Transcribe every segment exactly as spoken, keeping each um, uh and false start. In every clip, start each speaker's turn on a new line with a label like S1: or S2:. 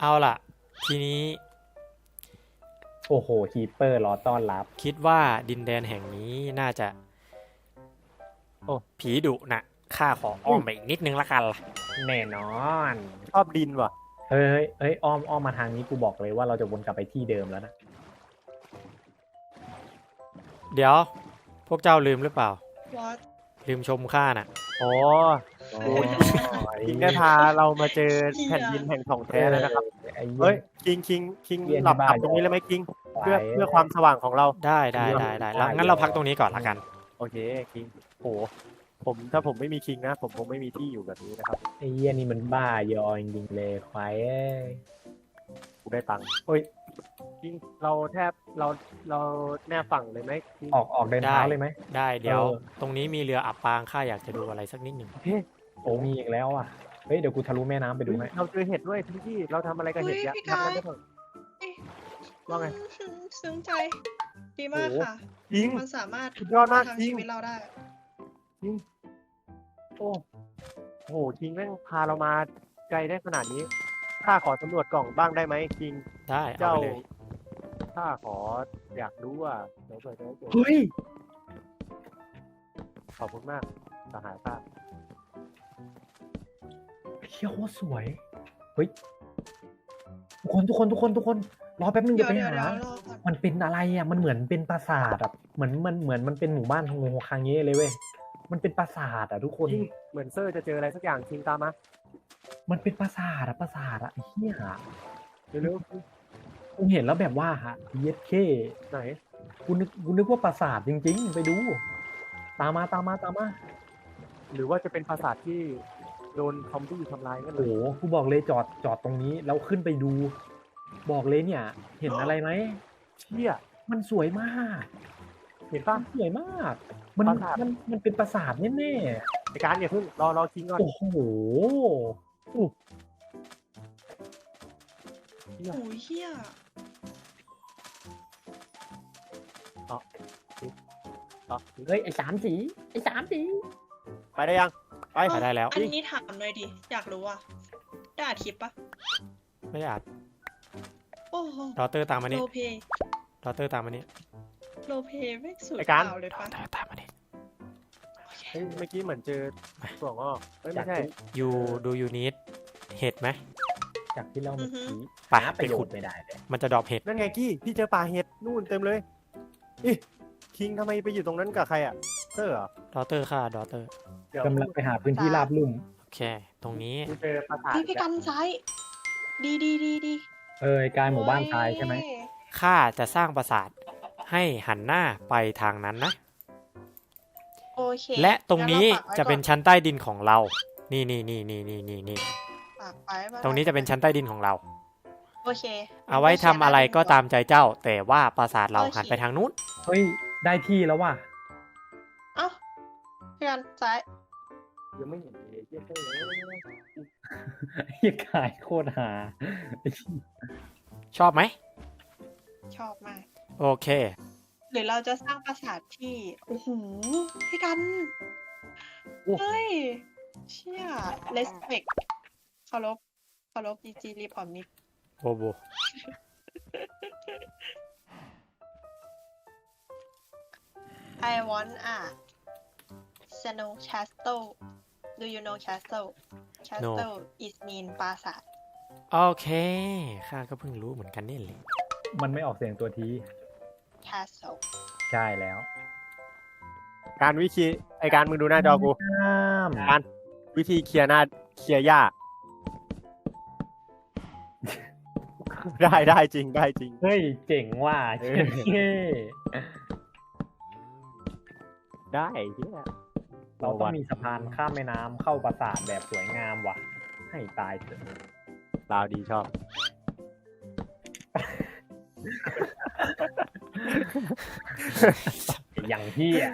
S1: เอาล่ะ ทีนี้
S2: โอ้โหฮีเปอร์รอต้อนรับ
S1: คิดว่าดินแดนแห่งนี้น่าจะ โอ้ผีดุนะข้าขออ้อมไปอีกนิดนึงละกันล่ะ
S2: แน่นอน
S3: ชอบดินว่ะ
S2: เฮ้ยเฮ้ยเฮ้ยอ้อมอ้อมมาทางนี้กูบอกเลยว่าเราจะวนกลับไปที่เดิมแล้วนะ
S1: เดี๋ยว พวกเจ้าลืมหรือเปล่า
S4: What
S1: ลืมชมข้าน่ะ
S3: โอ้
S2: โอ้
S3: คิงได้พาเรามาเจอแผ่นดินแห่งของแท้แล้วนะครับ
S2: ไอ้
S3: เฮ้
S2: เฮ้
S3: ย
S2: ย
S3: คิงคิงคิง
S2: เรียนที่
S3: หลับ
S2: บ้าน
S3: หลับตรงนี้เลยไหมคิง เพื่อ
S2: ไป
S3: เพื่อความสว่างของเรา
S1: ได้ได้ได้ได้แล้วงั้นเราพักตรงนี้ก่อนละกัน
S3: โอเคคิงโหผมถ้าผมไม่มีคิงนะ ผมคงไม่มีที่อยู่แบบนี้นะครับ
S2: ไอ้เหี้ยนี่มันบ้ายอจริงๆเลยควายเอ้ย
S3: กูได้ตังค์เฮ้ยคิงเราแทบเราเราแน่ฝั่งเลยไหมคิง
S2: ออกออกเดินเท้า
S1: ได้
S2: เลยไหม
S1: ได้เดี๋ยว
S2: เออ
S1: ตรงนี้มีเรืออับปางข้าอยากจะดูอะไรสักนิดหนึ่ง
S3: เฮ้ย
S2: โอ้มีอีกแล้วอ่ะเฮ้ยเดี๋ยวกูทะลุแม่น้ำไปดูให้
S3: เราเจอเห็ดด้วยพี่ที่เราทำอะไรกับเห็ดเยอะ
S4: เฮ้ยพี่
S3: ทำ
S4: กาย
S3: ได้เถอะ ว่าไง
S4: อืมซึ้งใจ ดีมาก
S3: โอ้โห
S4: ค่ะ
S3: คิง
S4: มันสามารถ
S3: สุดยอดมาก
S4: ทำ
S3: จริง
S4: ชีวิตเราได้
S3: คิงโอ้โหคิงแม่งพาเรามาไกลได้ขนาดนี้ข้าขอสำรวจกล่องบ้างได้ไหมคิง
S1: ได้เอา
S3: เจ้า
S1: ไปเลย
S3: ข้าขออยากรู้ว่าเดี๋ยวเปิดเดี๋ยวเปิด
S2: เฮ้ย
S3: ขอบคุณมากสหายข้า
S2: เชี่ยโคตรสวยเฮ้ยทุกคนทุกคนทุกคนทุกคนรอแป๊บนึง
S4: เดี๋
S2: เดี๋
S4: ย
S2: ยว วไป
S4: เดี๋ยว
S2: หา
S4: เดี๋ยวรอก่อน
S2: มันเป็นอะไรอ่ะ มันเหมือนเป็นปราสาทอ่ะเหมือนมันเหมือนมันเป็นหมู่บ้านทงโงคางเงี้เลยเว้ย มันเป็นปราสาทอ่ะทุกคน
S3: คิงเหมือนเซอร์จะเจออะไรสักอย่างคิงตามมา
S2: มันเป็นปราสาทอ่ะปราสาทอ่ะไอ้เหี้ย
S3: เร็ว
S2: กูเห็นแล้วแบบว่าฮะเย็ดเค
S3: ๆไหน
S2: กูนึกกูนึกว่าปราสาทจริงๆ ไปดู ตามมาตามมาตามมา
S3: หรือว่าจะเป็นปราสาทที่โดนซอมบี้ทำลายกัน
S2: โอ้
S3: เล
S2: โห
S3: ย
S2: กูบอกเลยจอดจอดตรงนี้แล้วขึ้นไปดู บอกเลยเนี่ย เห็นอะไรไหม
S3: เชี่ย
S2: มันสวยมาก
S3: เห็นป่ะ
S2: มันสวยมาก มัน
S3: ปราสาท
S2: มันมันเป็นปราสาทแน่
S3: ในการอย่าเพิ่งรอรอคิงก่อน
S2: ๆโอ้โห
S4: โอ้ยเฮีย
S3: ต่อ
S2: เฮ้ยไอ้สามสีไอ้สามสี
S3: ไปได้ยังไป
S1: ไปได้แล้ว
S4: อันนี้ถามหน่อยดิ อยากรู้อ่ะได้อัดคลิปปะ
S1: ไม่ได้อาจ
S4: โอ้โห
S1: ดอเตอร์ตามมานี่
S4: โลเพ
S1: ดอเตอร์ตามมานี่
S4: โลเพไม่สุด
S3: ไอ้การ
S4: เปล่าเลย
S1: ดอ
S4: ปะ
S1: เตอร์ตามมานี่
S3: เฮ้ยเมื่อกี้เหมือนเจอตัวงอกเอ้ยไม่ใช่
S1: ยูดูยูนิตเห็ดไหม
S2: จากที่เล่าเมื่อกี้
S1: ไป
S2: หาป
S1: ไประ
S2: โย
S1: ขุ
S2: ช
S1: ด
S2: น์ไม่ได้เลย
S1: มันจะดรอปเห็ด
S3: นั่นไงกี้พี่เจอป่าเห็ดนู่นเต็มเลยอิคิงทำไมไปอยู่ตรงนั้นกับใครอ่ะเซอร์เหรอ
S1: ดอเตอร์ค่ะดอเตอร์
S3: เดี๋ยว
S2: กำลังไปหาพื้นที่ราบลุ่ม
S1: โอเค ตรงนี้
S3: กูเจอปราสาท
S4: พี่พี่กันซ้าย ดีดีดีดี
S2: เออไอ้กายหมู่บ้านทรายใช่ไหม
S4: โอ้ย
S1: ข้าจะสร้างปราสาทให้หันหน้าไปทางนั้นนะ
S4: โอเค
S1: และตรงนี้
S4: งั้เราฝากไว้
S1: จะเป็น
S4: ก่อ
S1: ชั้นใต้ดินของเรา นี่นี่นี่นี่นี่นี่นี่
S4: ฝากไว้ว่า
S1: ตรงนี้จะเป็นชั้นใต้ดินของเรา
S4: โอเค
S1: เอาไว้ทำอะไรก็ตามใจเจ้า แต่ว่าปราสาทเราหันไปทางนู้น
S2: เฮ้ยได้ที่แล้วว่ะ
S4: เอ้าพี่กันซ้าย
S3: ยังไม่เห็นเลยเจ๊เซอร์เลย
S2: เฮียกายโคตรหา
S1: ชอบไหม
S4: ชอบมาก
S1: โอเค
S4: หรือเราจะสร้างปราสาทที่ โอ้โห พี่กัน เฮ้ย เชี่ย respect เคารพเคารพจีจีรีพอร์ตมิก
S1: โบโบ
S4: I want a snow castle Do you know castle Castle is mean ปราสาท
S1: โอเค ข้าก็เพิ่งรู้เหมือนกันนี่เลย
S2: มันไม่ออกเสียงตัวที
S4: Castle
S2: ใช่แล้ว
S3: การวิธีไอการมึงดูหน้าจอกู
S2: ห้าม
S3: การวิธีเคลียร์หน้าเคลียร์หญ้า ได้ได้จริงได้จริง
S2: เฮ้ยเจ๋งว่ะ
S3: เอ
S2: เฮ้
S3: อ ได้เฮีย
S2: เราต้องมีสะพานข้ามแม่น้ำเข้าปราสาทแบบสวยงามว่ะ ให้ตายเถอะ
S3: ลาวดีชอบ
S2: อย่างที่อ่ะ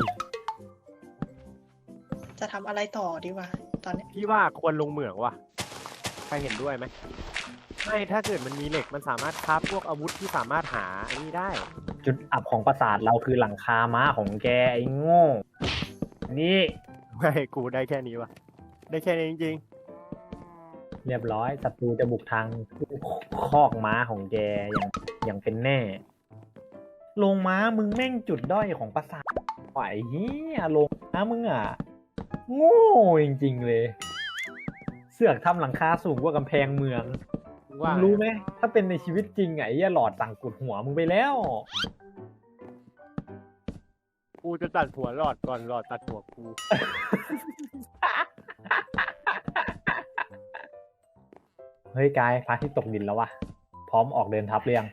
S4: จะทำอะไรต่อดีวะตอนเนี้ย
S3: พี่ว่าควรลงเหมืองว่ะใครเห็นด้วยไหมไม่ถ้าเกิดมันมีเหล็กมันสามารถคราฟพวกอาวุธที่สามารถหาอันนี้ได้
S2: จุดอับของปราสาทเราคือหลังคาม้าของแกไอ้โง่ นี่
S3: ไม่กูได้แค่นี้ว่ะได้แค่นี้จริง
S2: เรียบร้อยศัตรูจะบุกทางคอกม้าของแกอย่างอย่างเป็นแน่โรงม้ามึงแม่งจุดด้อยของปราสาทไหวเฮียโรงม้ามึงอ่ะโง่จริงๆเลย เสือกทำหลังคาสูงกว่ากำแพงเมืองมึ
S3: ว่าง
S2: รู้ไหมถ้าเป็นในชีวิตจริงไอ้เหี้ยหลอดสั่งกุดหัวมึงไปแล้ว
S3: กูจะตัดหัวหลอดก่อนหลอดตัดหัวกู
S2: เฮ้ยกายพระอาทิตย์ตกดินแล้ววะพร้อมออกเดินทัพเรียง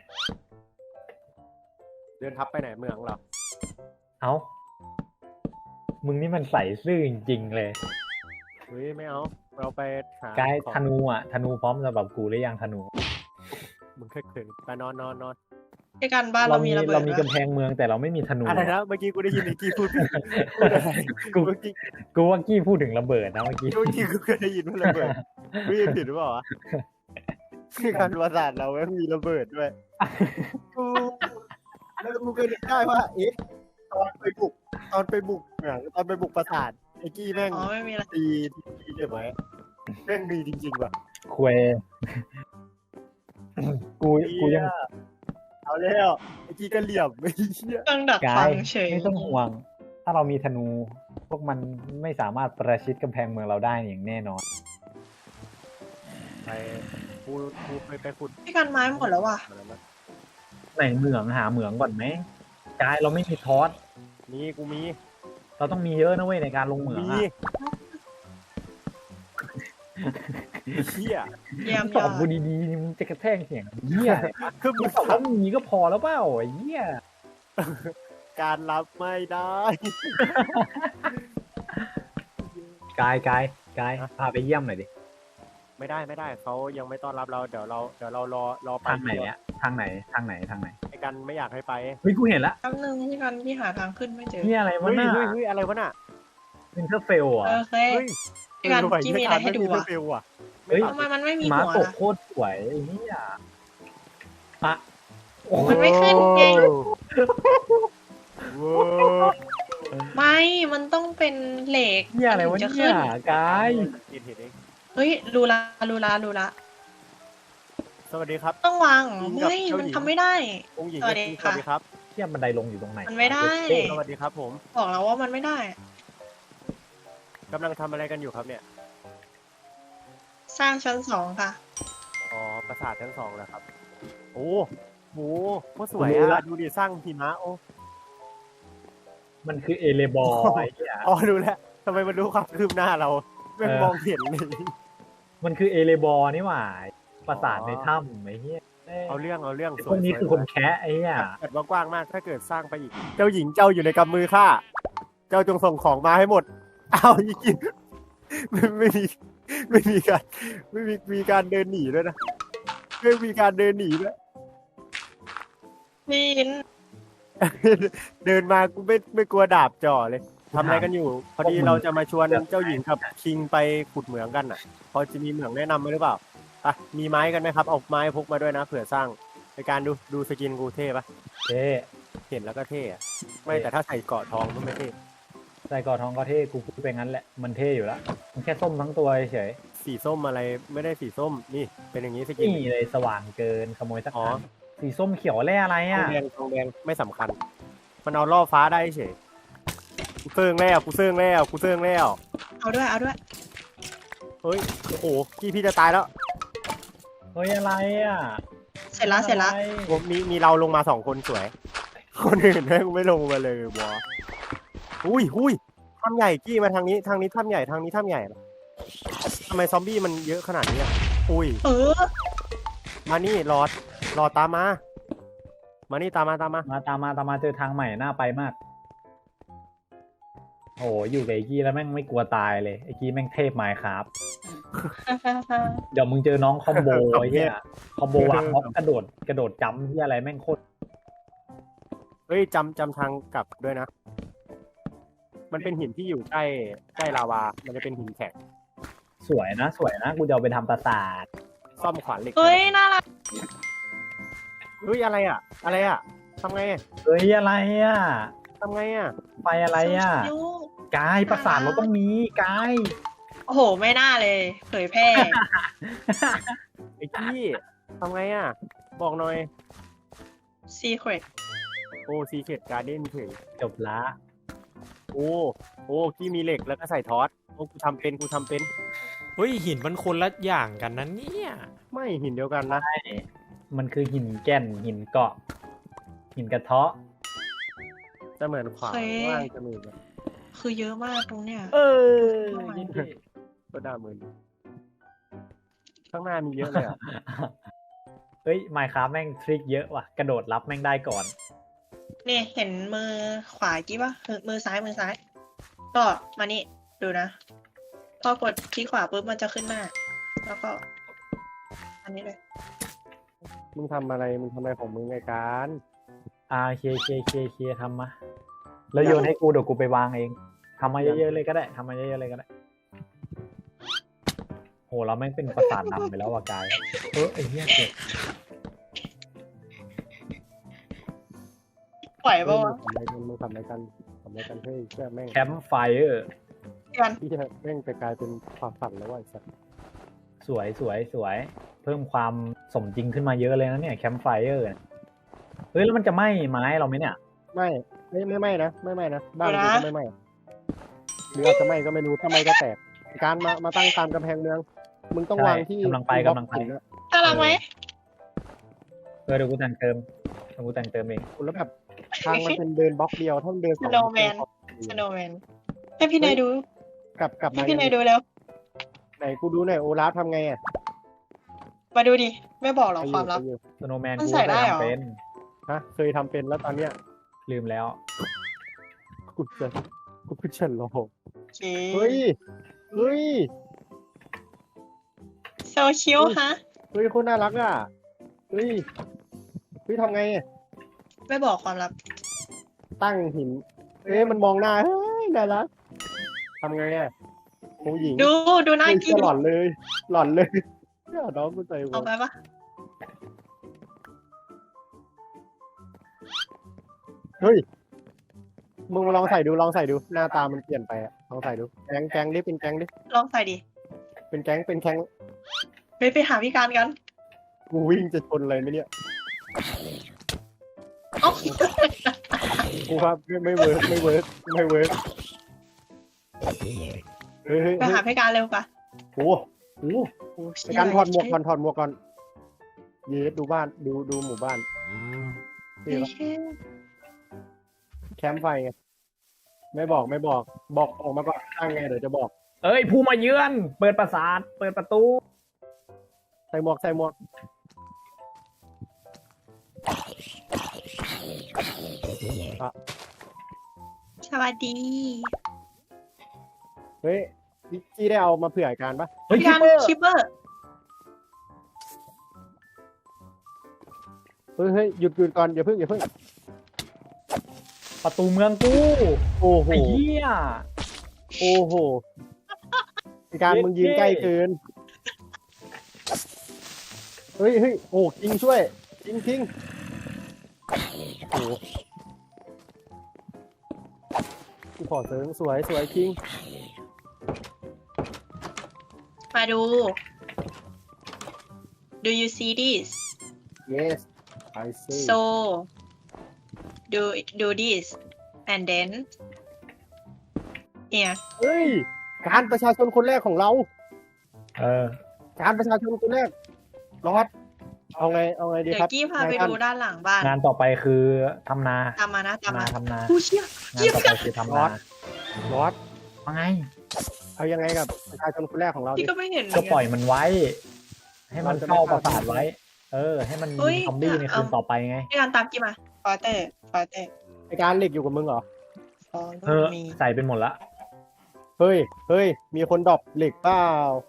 S3: เดินทับไปไหนเมืองเหรอ
S2: เอ้ามึงนี่มันใส่ซื่อจริงๆเลย
S3: เฮ้ยไม่เอาเราไปหาก
S2: าย
S3: ของ
S2: ธนูอ่ะธนูพร้อมสำหรับกูหรือยังธนู
S3: มึงเคยเขินไปนอนนอนนอน
S4: พี่กันบ้าน
S2: เรา
S4: เรา
S2: มี
S4: มีระเบิ
S2: เรา
S4: ด
S2: มี
S4: ด้วย
S2: กำแพงเมืองแต่เราไม่มีธนู
S3: อะไรนะเมื่อกี้กูได้ยินไอ้กี้พูดพูดอะไร
S2: กู
S3: เมื่อกี้
S2: กูว่ากี้พูดถึงระเบิดนะเมื่อกี้
S3: เมื่อกี้กูเคยได้ยินว่าระเบิดไม่ยินผิดหรือเปล่าวะคือการประสาทเราแม่งมีระเบิดด้วยกูแล้วกูเคยนึกได้ว่าเอ๊ะตอนไปบุกตอนไปบุกเหมืองตอนไปบุกปราสาทไอ้กี้แม่ง
S4: อ๋อไม่มีอะไร
S3: ตีตีเก็บไว้แม่งดีจริงๆว่ะ
S2: ควยกูกูยัง
S3: เอาแล้วไอ้กี้ก็เหลี่ยมไอ้เหี้ย
S4: เครื่องดัก
S2: กา
S4: ฟั
S2: ย
S4: งเฉย
S2: ไม่ต้องห่วง ถ้าเรามีธนู พวกมันไม่สามารถประชิดกำแพงเมืองเราได้อย่างแน่นอน
S3: ไปกูกูไปไปขุด
S4: พี่กันไม้หมดแล้วว่ะ
S3: อะไรมา
S2: ไหนเหมืองหาเหมืองก่อนไหมกายเราไม่มีทอส
S3: มีกูมี
S2: เราต้องมีเยอะนะเว้ยในการลงเหมือง
S3: มี
S2: อะ
S3: เหี้ย
S4: เยี่ยม
S2: ต
S4: ย
S2: อ
S4: อบ ด
S2: กูดีๆนี่มึงจะกระแทกเสียงเหี้ย
S3: คือ
S2: มึ
S3: มึ
S2: ง
S3: ง
S2: ตอบว่ามีก็พอแล้วเปล่าไอ้เหี้ย
S3: การรับไม่ได้
S2: กายกายกาย
S3: ฮะ
S2: พาไปเยี่ยมหน่อยดิ
S3: ไม่ได้ไม่ได้เขายังไม่ต้อนรับเราเดี๋ยวเราเดี๋ยวเรารอรอไป
S2: ทางไหนอะทางไหนทางไหนทางไหน
S3: ไอ้กันไม่อยากให้ไป
S2: เฮ้ยกูเห็นละ
S4: แป๊บนึงพี่กันพี่หาทางขึ้นไม่เจอ
S2: นี่อะไรวะ
S3: เฮ้ย
S2: น่ะ
S3: เฮ้ยเฮ้ยอะไรวะน่ะ
S2: วินเทอร์เฟลอ่ะ
S4: โอเค
S3: เฮ้ย
S4: พี่กัน
S3: เออ
S4: กี้มีอะไรให้ดู
S3: ไม่
S4: อ่ะ
S3: เฟลว่ะ
S2: เฮ้ย
S4: ทำไมมันไม่มี
S2: ม้า
S4: หัว
S2: ตก
S4: ล่ะ
S2: โคตรสวยไอ้เหี้ยอะโอ้
S4: มันไม่ขึ้นไง
S3: โว้ว
S4: ไม่ มันต้องเป็นเหล็ก
S2: เหี้ยอะไรวะ
S4: มันถึงจะ
S2: เนี่
S4: ขึ้
S2: ย
S4: น
S2: กาย
S3: กินเห็ดเอง
S4: เฮ้ยรูละรูละรูละ
S3: สวัสดีครับ
S4: ต้องวาง
S3: กินกับ
S4: ไม่
S3: เจ้าหญิง
S4: มันทำไม่ได้
S3: องค์หญิง
S4: สวัสดี
S3: สวัสดีครับ
S2: เทียบบันไดลงอยู่ตรงไหน
S4: มันไม่ได้
S2: เท่
S3: สวัสดีครับผม
S4: บอกแล้วว่ามันไม่ได้
S3: กำลังทำอะไรกันอยู่ครับเนี่ย
S4: สร้างชั้นสองค่ะ
S3: อ๋อปราสาทชั้นสองแล้วครับ โอ้โหโคตรสวยอ่ะดูดิสร้างหิมะโอ้
S2: มันคือเอเลบอร์ไอ้เหี้ย
S3: อ๋อรู้แล้วทำไมมันรู้ความคืบหน้าเราไม่
S2: เออ
S3: มองเห็นเลย
S2: มันคือเอเลบอร์นี่หว่าปราสาทในถ้ำไอ้เหี้ย
S3: เอาเรื่องเอาเรื่อง
S2: ไอ้
S3: ส
S2: พ
S3: ว
S2: วย กนี้
S3: สวย
S2: คือคนแคะไอ้เหี้ย
S3: เกิดว่ากว้างมากถ้าเกิดสร้างไปอีก เจ้าหญิงเจ้าอยู่ในกำมือข้าเจ้าจงส่งของมาให้หมดเอาอีกกินไม่ไม่มีไม่มีการไม่มีมีการเดินหนีด้วยนะไม่มีการเดินหนีด้วย
S4: พี่อิน
S3: เดินมากูไม่ไม่กลัวดาบจ่อเลยทำอะไรกันอยู่ พอดีเราจะมาชวนเจ้าหญิงกับคิงไปขุดเหมืองกันอ่ะ พอจะมีเหมืองแนะนำไหมหรือเปล่าอ่ะมีไม้กันไหมครับเอาไม้พกมาด้วยนะเผื่อสร้างในการดูดูสกินกูเท่ปะ
S2: เท่
S3: เห็นแล้วก็เท่อะไม่แต่ถ้าใส่เกราะทองก็ไม่เท่
S2: ใส่กอดทองก็เท่กูพูดไปงั้นแหละมันเท่อยู่แล้วมันแค่ส้มทั้งตัวเฉย
S3: สีส้มอะไรไม่ได้สีส้มนี่เป็นอย่างนี้ส
S2: ๆ
S3: กิน
S2: นี่เลยสว่างเกินขโมยสัก
S3: อ๋อ
S2: อันสีส้มเขียวแร่อะไร
S3: ทอ
S2: อ่ะ
S3: งแดงทองแดงไม่สำคัญ มันเอาล่อฟ้าได้เฉยกูเซิงแล้วกูเซิงแล้วกูเซิงแล้ว
S4: เอาด้วยเอาด้วย
S3: เฮ้ยโอ้โหพี่พี่จะตายแล้ว
S2: เฮ้ยอะไรอ่ะ
S4: เสร็จละเสร็จละ
S2: อะไร
S3: ผมมีมีเราลงมาสองคนสวย คนอื่นแม่งไม่ลงมาเลยวะอุ้ยอุ้ยถ้ำใหญ่กี้มาทางนี้ทางนี้ถ้ำใหญ่ทางนี้ถ้ำใหญ่ทำไมซอมบี้มันเยอะขนาดนี้อ่ะอุ้ย
S4: เออ
S3: มานี่รอดรอดตามมา มานี่ตามมาตามมา
S2: มาตามมาตามมาเจอทางใหม่น่าไปมากโอ้โหอยู่กับไอ้กี้แล้วแม่งไม่กลัวตายเลยไอ้กี้แม่งเทพไมค์ครับ เดี๋ยวมึงเจอน้องคอมโบไอ้เหี้ยคอมโบวางม็อบกระโดดกระโดดจำที่อะไรแม่งโคตร
S3: เฮ้ยจำจำทางกลับด้วยนะ มันเป็นหินที่อยู่ใกล้ใกล้ลาวา มันจะเป็นหินแข็ง
S2: สวยนะ สวยนะกูจะเอาไปทำปราสาท
S3: ซ่อมขวานเหล็ก
S4: เฮ้ยน่ารัก
S3: เฮ้ยอะไรอ่ะ อะไรอ่ะทำไง
S2: เฮ้ยอะไรอ่ะ
S3: ทำไงอ่ะ
S2: ไฟอะไรอ่ะ
S4: ชิว
S2: กายปราสาทเราต้องมีกาย
S4: ๆโอโห ไม่น่าเลย เผยแพร่
S3: ไอ้กี้ทำไงอ่ะ บอกหน่อย
S4: secret
S3: โอ้ซีเคดการ์เด้นเฉย
S2: จบละ
S3: โอ้โอ้กี้มีเหล็กแล้วก็ใส่ทอสโอ้กูทำเป็นกูทำเป็น
S1: เฮ้ยหินมันคนละอย่างกันนะเนี่ย
S3: ไม่หินเดียวกันนะ
S2: มันคือหินแก่นหินเกาะ หินกระเทาะ
S3: จะเหมือนขวา
S4: โอเค
S3: ว่างจะมือแบบ
S4: คือเยอะมากตรงเนี้ย
S2: เออ
S3: ก็ด่ามือข้างหน้ามีเยอะเลยอ่ะ
S2: เฮ้ยไมค์คราฟแม่งทริคเยอะว่ะ กระโดดรับแม่งได้ก่อน
S4: นี่เห็นมือขวากี้ปะมือมือซ้ายมือซ้าย ก็มานี่ดูนะ พอกดคลิกขวาปุ๊บมันจะขึ้นหน้า แล้วก็ อันนี้เลย
S3: มึงทำอะไรมึงทำอะไรของมึงไงการ
S2: อ่าเคเคเคเคทำมา แล้วโยนให้กูเดี๋ยวกูไปวางเองทำมาเยอะๆเลยก็ได้ทำมาเยอะๆเลยก็ได้ โหเราแม่งเป็นประสาทดำไปแล้วว่ะกายเออไอ้เหี้ยเจ็บ
S4: ปล่อย
S3: เฮ้
S4: ปะ
S3: ยมึ
S4: วะ
S3: งทำอะไรกันมึงทำอะไรกันทำอะไรกันเฮ้ยเชื่อแม่ง
S2: แคมป์ไฟเออร์
S4: กัน
S3: ที่จะแม่งไปกลายเป็นความฝันแล้วว่ะไอ้สัส
S2: สวยสวยสวย เพิ่มความสมจริงขึ้นมาเยอะเลยนะเนี่ยแคมป์ไฟเออร์เฮ้ยแล้วมันจะไหม้ไม้เราไหมเนี่ย
S3: ไม่ไม่ไม่ไม่นะไม่ไม่นะบ้านกูก็ไม่ไม่หรืออาจจะไม่ก็ไม่รู้ถ้าไม่ก็แตกการมามาตั้งตามกำแพงเมืองมึงต้องวางที่
S2: กำลังไปกำลังไป
S3: หินอะ
S4: น่ารักไหม
S2: เออเดี๋ยวกูแต่งเติมเดี๋ยวกูแต่งเติมเอง
S3: แล้วแบบทางมันเป็นเดินบล็อกเดียวถ้ามันเดินสอง
S4: Snowman สโนว์แมนให้พี่นายดู
S3: กลับกลับ
S4: ให้
S3: มา
S4: พี่นายดูแล้ว
S3: ไหนกูดูหน่อยโอลาฟทำไงอ่ะ
S4: มาดูดิ ไม่บอกหรอกความลับ
S3: ไปอยู่
S2: สโนว์แมน
S4: มัน
S2: กู
S4: ใส่
S2: เค
S4: ได้
S2: ย
S4: เหรอ
S2: ทำเป็น
S3: ฮะเคยทำเป็นแล้วตอนเนี้ย
S2: ลืมแล้ว
S3: กูจะกูพิชันโล
S4: โอเค
S3: เฮ้ยเฮ้ย
S4: โซคิวฮะ
S3: เฮ้ยคนน่ารักอ่ะเฮ้ยเฮ้ยทำไงอะ
S4: ไม่บอกความลับ
S3: ตั้งหินเฮ้ยมันมองหน้าเฮ้ยน่ารักทำไงอ่ะผู้หญิง
S4: ดูดูหน้า
S3: เฮ้ย
S4: กิน
S3: หล่อนเลย หล่อนเลยเนี่ยน้องกูใจ
S4: เอา
S3: วะ
S4: ไปปะ
S3: เฮ้ยมึงมาลองใส่ดูลองใส่ดูหน้าตามันเปลี่ยนไปอะลองใส่ดูแก๊งแก๊งดิเป็นแก๊งดิ
S4: ลองใส่ดิ
S3: เป็นแก๊งเป็นแก๊ง
S4: ไปไปหาพี่การกัน
S3: กูวิ่งจะชนอะไรไหมเนี่ย
S4: เอ้า
S3: กูว่าไม่ไม่เวิร์กไม่เวิร์กไม่เวิร์กเฮ้ยเฮ้ย
S4: ไปหาพี่การเร็วปะ
S3: โอ้โห
S4: โอ้
S3: ในการถอดหมวกก่อนถอดหมวกก่อนเยสดูบ้านดูดูหมู่บ้าน
S4: เชี่ย
S3: นี่ครับแคมป์ไฟไงไม่บอกไม่บอกบอกออกมาก่อนตั้งไงเดี๋ยวจะบอก
S2: เอ้ยผู้มาเยือน เปิดประสาทเปิดประตู
S3: ใส่หมวกใส่หมวก
S4: สวัสดี
S3: เฮ้ยพี่ได้เอามาเผื่ออาการปะ
S2: เฮ้ย
S4: พี่
S2: คิป
S4: การ
S2: เปอร์
S4: ชิปเปอร์
S3: เฮ้ยเฮ้ยหยุดหยุดก่อนอย่าเพิ่งอย่าเพิ่ง
S2: ประตูเมืองกู
S3: โอ้โห
S2: ไอ้เหี้ย
S3: โอ้โหอาการมึงยืนใกล้เกินเฮ้ยเฮ้ยโอ้จริงช่วยจริงจริงโอ้โหกูขอเสริมสวยสวยจริง
S4: มาดู Do you see this
S3: yes I see
S4: so do do this and then เนี่ย
S3: เฮ้ยการประชาชนคนแรกของเรา
S2: เออ
S3: การประชาชนคนแรกรอดเอาไงเอาไงดี
S4: เดี๋ย
S3: ครับ
S4: วกี้พาไป
S3: นยท่น
S4: ดูด้านหลังบ้าน
S2: งานต่อไปคือทำนา
S4: ตามมานะตาม
S2: ทำนา
S4: มา
S2: ทำนา
S4: ผู้เชี่ย
S2: งานต่อไปคือทำนา
S3: รอด
S2: ว่าไง
S3: เอายังไงกับประชาชนคนแรกของเรา
S4: พี่
S3: ดิ
S4: ก็ไม่เห็นเหมื
S2: ก็
S4: อน
S2: ปล่
S4: กั
S2: อน ยมันไว้ ให้มันเข้าประสาทไว้ เออ ให้มัน
S4: เฮ้
S2: ยิ
S4: ย
S2: งซอมบี้ในคืน
S4: เอา
S2: ต่อไปไง
S4: พี่การตามกี้มาฟอเตอร์ฟอเตอร์
S3: ไอการเหล็กอยู่กับมึงเหรอ
S4: ฟอ
S2: เออ
S4: มี
S2: ใส่เป็นหมดละ
S3: เฮ้ยเฮ้ยมีคนดรอปเหล็กเปล่า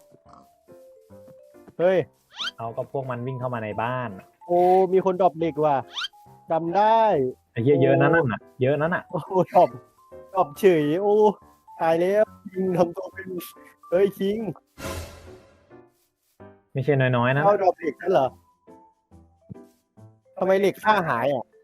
S3: เฮ้ย
S2: เอาก็พวกมันวิ่งเข้ามาในบ้าน
S3: โอ้มีคนดรอปเหล็กว่ะจำได้
S2: ไอ้เหี้ยเยอะนั่นน่ะ เยอะนั่นน่ะ
S3: โอ้ดรอปดรอปเฉยโอ้ตายแล้วคิงทำตัวเป็นเฮ้ยคิง
S2: ไม่ใช่น้อยๆนะ
S3: เข้าดรอปเหล็กนั่นเหรอทำไมเหล็กค่าหายอ่ะ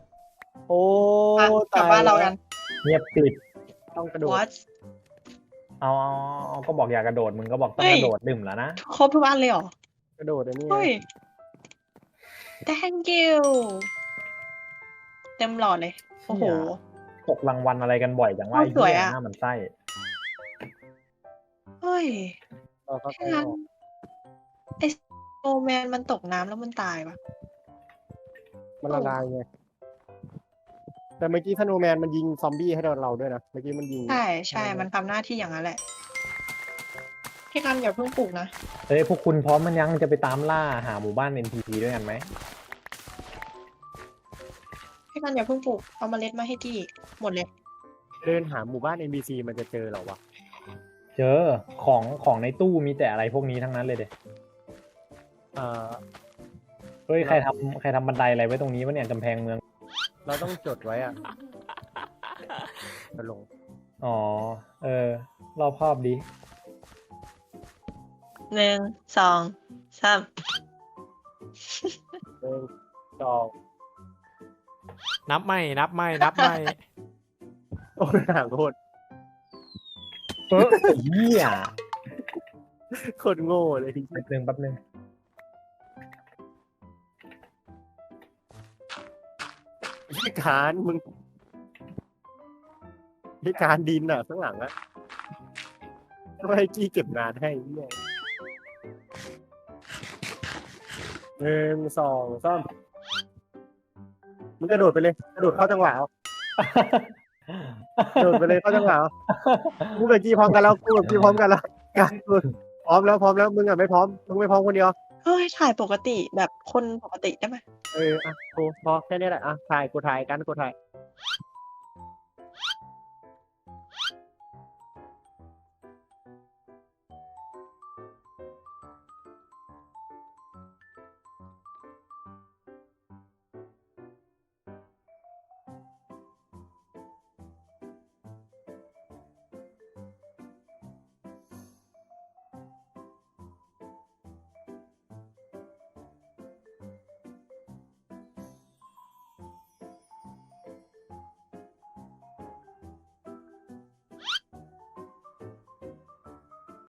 S3: โอ้
S4: อ่ะกลับ
S3: ตาย
S4: บ้านเรา
S3: แล้
S4: กั
S3: วน
S2: เงียบกริบ
S3: ต้องกระโดด
S4: what
S2: เอาเอาเอาก็บอกอย่ากระโดดมึงก็บอกต้องกระโดดดื่มแล้วนะ
S4: ครบทุกอันเลยเหรอ
S3: กระโดดอันนี้ไง
S4: เฮ้ย thank you เต็มหลอดเลย โอ้โห
S2: ตกรางวัลอะไรกันบ่อยจังว่า
S4: โอ้สวยอะ
S2: หน้ามันไส้
S4: เฮ้ย
S3: เราก็
S4: แค่นั้นไอโอแมนมันตกน้ำแล้วมันตายปะ
S3: มันละลายไงแต่เมื่อกี้สโนว์แมนมันยิงซอมบี้ให้เราด้วยนะเมื่อกี้มันยิง
S4: ใช่ใช่มันทำหน้าที่อย่างนั้นแหละ พี่กันอย่าเพิ่งปลูกนะ
S2: เฮ้ยพวกคุณพร้อมมันยังจะไปตามล่าหาหมู่บ้าน เอ็น พี ซี ด้วยกันไหม
S4: พี่กันอย่าเพิ่งปลูก เอาเมล็ดมาให้ที่หมดเลย
S3: เดินหาหมู่บ้าน เอ็น พี ซี มันจะเจอเหรอวะ
S2: เจอของของในตู้มีแต่อะไรพวกนี้ทั้งนั้นเลยเด็
S3: เอ่อ
S2: เฮ้ยใครทำใครทำบันไดอะไรไว้ตรงนี้วะเนี่ยกำแพงเมือง
S3: เราต้องจดไว้อะจะลง
S2: อ๋อ เออ รอบครอบดี
S4: หนึ่งสองสาม
S3: หนึ่งสอง
S1: นับไม่นับไม่นับไม่
S3: โอ้ยห่างโคตร
S2: เออไอ้เหี้ย
S3: โคตรโง่เลย
S2: แป๊บนึงแป๊บนึง
S3: พิการมึงพิการดินอ่ะข้างหลังอ่ะไม่ให้กี้เก็บงานให้เนี่ยหนึ่งสองสามมึงกระโดดไปเลยกระโดดเข้าจังหวะเอากระโดดไปเลยเข้าจังหวะเอากูกับกี้พร้อมกันแล้วกูกับกี้พร้อมกันแล้วกันกูพร้อมแล้วพร้อมแล้วมึงอ่ะไม่พร้อมมึงไม่พร้อมคนเดียว
S4: เฮ้ย ถ่ายปกติแบบคนปกติได้ไหม
S3: เอออ่ะกูพอแค่นี้แหละอ่ะถ่ายกูถ่ายกันกูถ่าย